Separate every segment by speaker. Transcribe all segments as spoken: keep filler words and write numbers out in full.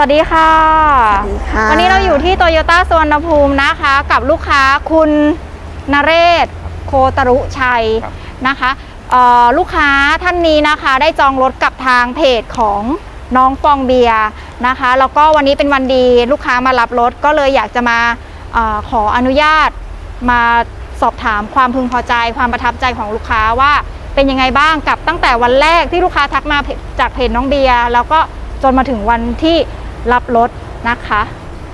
Speaker 1: สวัสดีค่ะวันนี้เราอยู่ที่โตโยต้าสุวรรณภูมินะคะกับลูกค้าคุณนเรศโคตรุชัยนะคะลูกค้าท่านนี้นะคะได้จองรถกับทางเพจของน้องฟองเบียร์นะคะแล้วก็วันนี้เป็นวันดีลูกค้ามารับรถก็เลยอยากจะมาออขออนุญาตมาสอบถามความพึงพอใจความประทับใจของลูกค้าว่าเป็นยังไงบ้างกับตั้งแต่วันแรกที่ลูกค้าทักมาจากเพจน้องเบียร์แล้วก็จนมาถึงวันที่รับรถนะคะ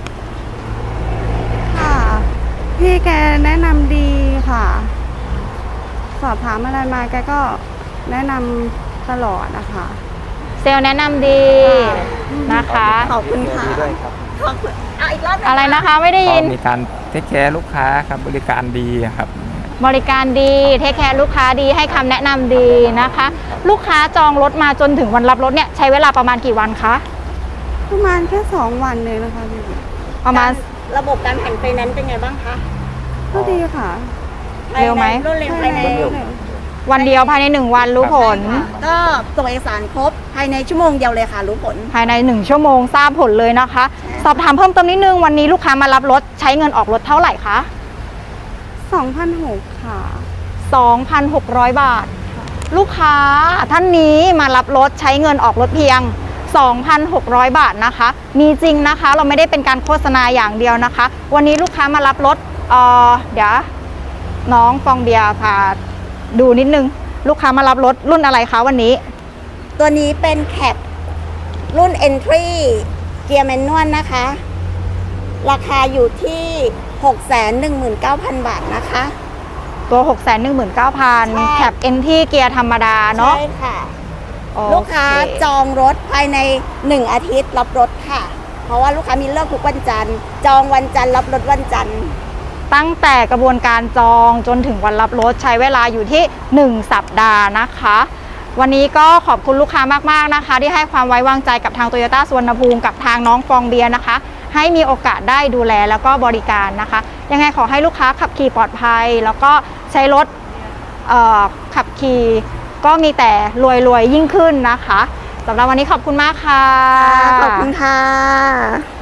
Speaker 2: ค่ะพี่แกแนะนำดีค่ะสอบถามอะไรมาแกก็แนะนำตลอดนะคะ
Speaker 1: เซลล์แนะนำดีนะคะ
Speaker 2: ขอบคุณค่ะ
Speaker 3: ขอบคุณเอาอีกรอบ
Speaker 1: อะไรนะคะไม่ได้ยิน
Speaker 4: มีการเทคแคร์ลูกค้าครับบริการดีครับ
Speaker 1: บริการดีเทคแคร์ลูกค้าดีให้คำแนะนำดีนะคะลูกค้าจองรถมาจนถึงวันรับรถเนี่ยใช้เวลาประมาณกี่วันคะ
Speaker 2: ประมาณแค่สองวันเลยนะคะพี่
Speaker 1: ประมาณ
Speaker 3: ระบบการผ่อนไฟแนนซ์เป็นไงบ้างคะ
Speaker 2: ก็ดีค่ะ
Speaker 1: เร็วไหม
Speaker 3: รวดเร็วภายใน
Speaker 1: วันเดียวภายในหนึ่งวันรู้ผล
Speaker 3: ก็ส่งเอกสารครบภายในชั่วโมงเดียวเลยค่ะรู้ผล
Speaker 1: ภายในหนึ่งชั่วโมงทราบผลเลยนะคะสอบถามเพิ่มเติมนิดนึงวันนี้ลูกค้ามารับรถใช้เงินออกรถเท่าไหร่คะ
Speaker 2: สองพันหกร้อย ค่ะ
Speaker 1: สองพันหกร้อย บาทลูกค้าท่านนี้มารับรถใช้เงินออกรถเพียงสองพันหกร้อย บาทนะคะมีจริงนะคะเราไม่ได้เป็นการโฆษณาอย่างเดียวนะคะวันนี้ลูกค้ามารับรถเอ่อเดี๋ยวน้องฟองเบียร์พาดูนิดนึงลูกค้ามารับรถรุ่นอะไรคะวันนี้
Speaker 3: ตัวนี้เป็นแคปรุ่น Entry เกียร์แมนนวลนะคะราคาอยู่ที่ หกแสนหนึ่งหมื่นเก้าพัน บาทนะคะ
Speaker 1: ตัว หกแสนหนึ่งหมื่นเก้าพัน แคป Entry เกียร์ธรรมดาเนาะ
Speaker 3: ใช่ค่ะลูกค้าจองรถภายในหนึ่งอาทิตย์รับรถค่ะเพราะว่าลูกค้ามีเลิกทุกวันจันทร์จองวันจันทร์รับรถวันจันทร์
Speaker 1: ตั้งแต่กระบวนการจองจนถึงวันรับรถใช้เวลาอยู่ที่หนึ่งสัปดาห์นะคะวันนี้ก็ขอบคุณลูกค้ามากๆนะคะที่ให้ความไว้วางใจกับทางโตโยต้าสุวรรณภูมิกับทางน้องฟองเบียร์นะคะให้มีโอกาสได้ดูแลแล้วก็บริการนะคะยังไงขอให้ลูกค้าขับขี่ปลอดภัยแล้วก็ใช้รถขับขี่ก็มีแต่รวยๆยิ่งขึ้นนะคะสำหรับวันนี้ขอบคุณมากค่ะ
Speaker 3: ขอบคุณค่ะ